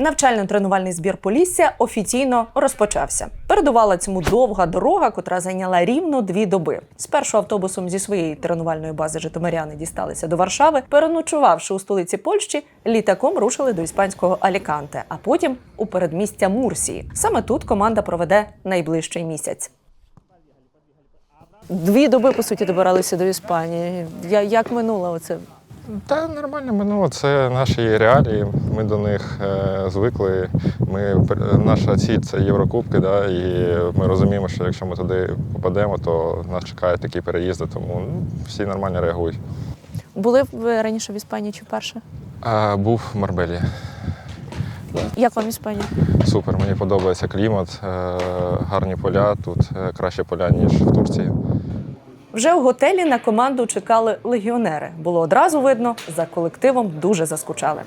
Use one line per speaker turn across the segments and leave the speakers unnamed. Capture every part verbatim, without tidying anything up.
Навчально-тренувальний збір Полісся офіційно розпочався. Передувала цьому довга дорога, котра зайняла рівно дві доби. Спершу автобусом зі своєї тренувальної бази житомиряни дісталися до Варшави, переночувавши у столиці Польщі, літаком рушили до іспанського Аліканте, а потім у передмістя Мурсії. Саме тут команда проведе найближчий місяць. Дві доби, по суті, добиралися до Іспанії. Я, як минуло оце?
Та нормально минуло. Це наші реалії. Ми до них е, звикли. Ми, наша ціль – це Єврокубки, да, і ми розуміємо, що якщо ми туди попадемо, то нас чекають такі переїзди, тому ну, всі нормально реагують.
Були ви раніше в Іспанії чи вперше?
А, був в Марбелі.
Як вам Іспанія?
Супер, мені подобається клімат, е, гарні поля, тут е, краще поля, ніж в Турції.
Вже в готелі на команду чекали легіонери. Було одразу видно, за колективом дуже заскучали.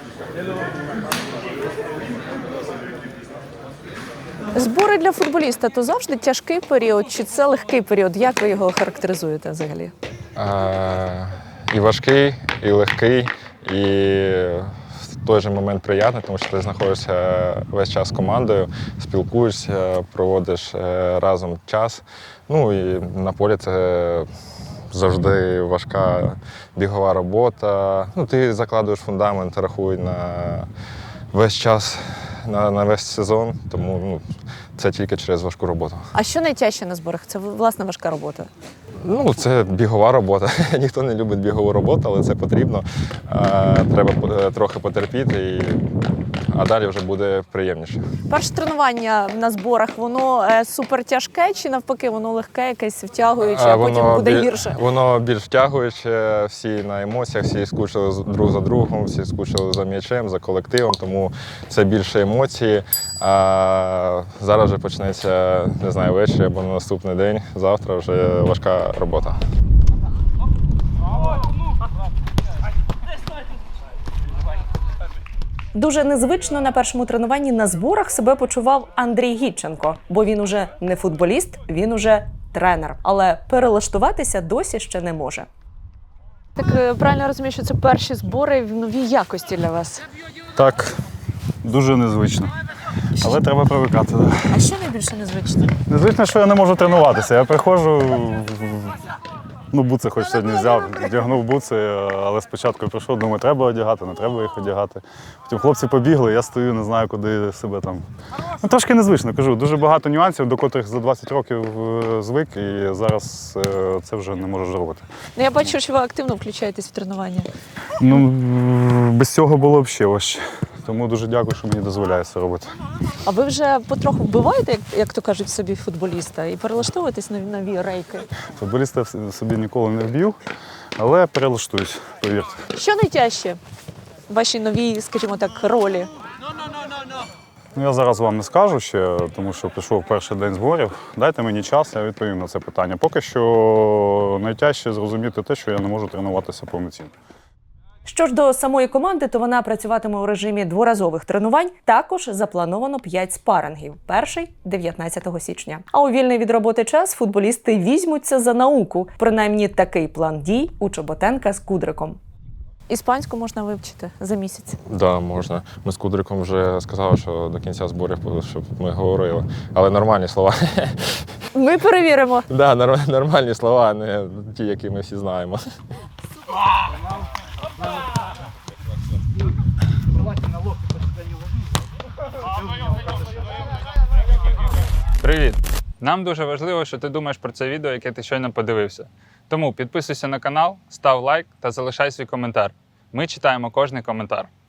Збори для футболіста – то завжди тяжкий період, чи це легкий період? Як ви його характеризуєте взагалі?
Е, і важкий, і легкий, і в той же момент приємний, тому що ти знаходишся весь час з командою, спілкуєшся, проводиш разом час. Ну і на полі це завжди важка бігова робота. Ну, ти закладуєш фундамент, рахуй на весь час, на, на весь сезон, тому ну, це тільки через важку роботу.
А що найтяжче на зборах? Це, власне, важка робота?
Ну, це бігова робота. Ніхто не любить бігову роботу, але це потрібно. Треба трохи потерпіти, і... а далі вже буде приємніше. Перше
тренування на зборах, воно супер тяжке чи навпаки, воно легке, якесь втягуюче, а, а потім
воно
буде
біль...
гірше?
Воно більш втягуюче, всі на емоціях, всі скучили друг за другом, всі скучили за м'ячем, за колективом, тому це більше емоції. А зараз вже почнеться, не знаю, ввечері або на наступний день, завтра вже важка робота.
Дуже незвично на першому тренуванні на зборах себе почував Андрій Гітченко, бо він уже не футболіст, він уже тренер. Але перелаштуватися досі ще не може. Так правильно розумію, що це перші збори в новій якості для вас?
Так, дуже незвично. Але треба привикати. Да.
А що найбільше незвично?
Незвично, що я не можу тренуватися. Я приходжу, ну буци хоч сьогодні взяв, вдягнув буци, але спочатку я прийшов, думаю, треба одягати, не треба їх одягати. Потім хлопці побігли, я стою, не знаю, куди себе там. Ну, трошки незвично, кажу, дуже багато нюансів, до котрих за двадцять років звик, і зараз це вже не можу робити.
Ну, я бачу, що ви активно включаєтесь в тренування.
Ну, без цього було б ще важче. Тому дуже дякую, що мені дозволяє це робити.
А ви вже потроху вбиваєте, як, як то кажуть, собі футболіста і перелаштовуєтесь на нові рейки?
Футболіста собі ніколи не вб'ю, але перелаштуюсь, повірте.
Що найтяжче в вашій новій, скажімо так, ролі?
Ну, я зараз вам не скажу ще, тому що пішов перший день зборів. Дайте мені час, я відповім на це питання. Поки що найтяжче зрозуміти те, що я не можу тренуватися повноцінно.
Що ж до самої команди, то вона працюватиме у режимі дворазових тренувань. Також заплановано п'ять спарингів. Перший – дев'ятнадцятого січня. А у вільний від роботи час футболісти візьмуться за науку. Принаймні такий план дій у Чоботенка з Кудриком. Іспанську можна вивчити за місяць?
Так, да, можна. Ми з Кудриком вже сказали, що до кінця зборів, щоб ми говорили. Але нормальні слова.
Ми перевіримо.
Так, да, нормальні слова, а не ті, які ми всі знаємо.
Привіт! Нам дуже важливо, що ти думаєш про це відео, яке ти щойно подивився. Тому підписуйся на канал, став лайк та залишай свій коментар. Ми читаємо кожний коментар.